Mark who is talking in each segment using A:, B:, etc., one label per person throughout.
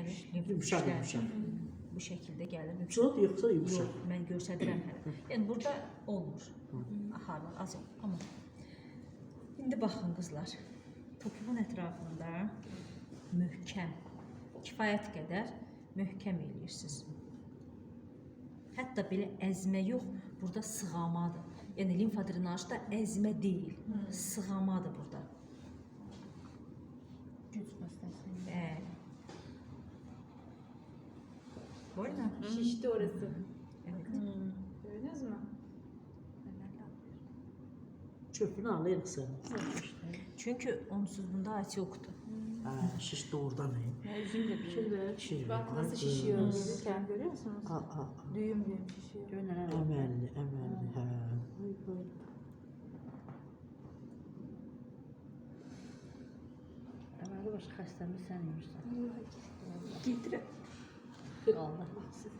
A: gəlir limf
B: Yumuşaq,
A: güclər.
B: yumuşaq.
A: Bu şəkildə gəlir.
B: Çox yoxsa yumuşaq?
A: Yox, mən göstərirəm hələ. Yəni burada olmur. Axarlar az olur. Amma indi baxın qızlar. Topuğun ətrafında möhkəm, kifayət qədər möhkəm eləyirsiniz. Hətta belə əzmə yox, burada sığamadır. Yəni limfa drenajda əzmə deyil, sığamadır burada.
C: Güc xəstəsi.
A: Boyna.
C: Şişdi orası.
A: Evet.
C: Gördünüz mü?
B: Çöpünü alırsan.
A: Çünkü onsuz bunda at yoktu.
B: Şiş doğrudan iyi.
C: Üzüm de pişirdi.
B: Pişirdi.
C: Bak nasıl şişiyor gelirken görüyor musunuz? Düğüm düğüm şişiyor.
B: Əməlli, əməlli, hə.
D: Əməli başqa xəstəmi sən yürürsən.
C: Getirəm.
D: Allah baxsın.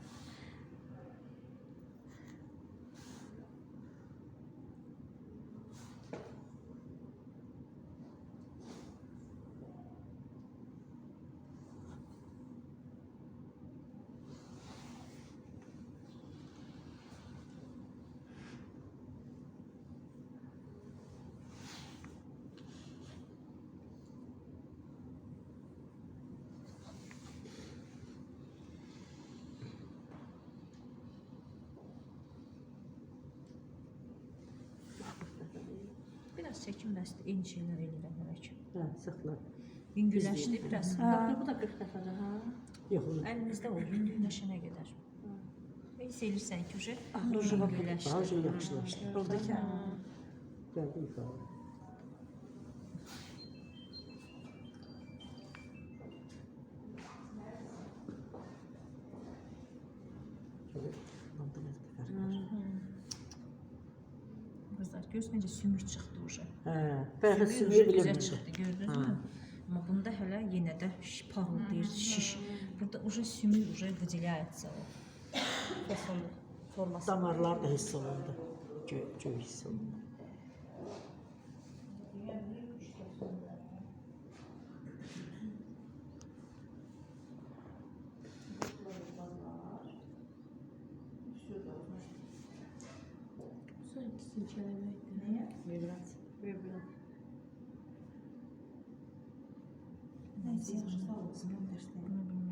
A: Biraz çəkinməsdir, eyni şeylər eləyirəm hələ ki.
B: Hə, sıxla.
A: Yüngülləşdi biraz.
D: Bu da 40 dəfədir, hə?
B: Yox,
A: Əlinizdə o yüngülləşənə qədər. Hiss edirsən ki,
B: daha
A: yüngülləşdi.
B: şey yaxşılaşdı.
C: Buradaki.
B: Gəldi yuxarı.
A: Qızlar, görürsünüz necə sümük çıxdı uşaq.
B: Hə, bəlkə
A: Sümük
B: sümüyü
A: güzel
B: bilmirəm.
A: çıxdı, gördünüz mü? Amma bunda hələ yenə də parıldayır, şiş. Burada уже sümük уже выделяется o. Fasonu, forması.
B: Damarlar da hiss olundu. Göy hiss olundu.
D: Vibrasiya.
A: Bunu bilmirəm.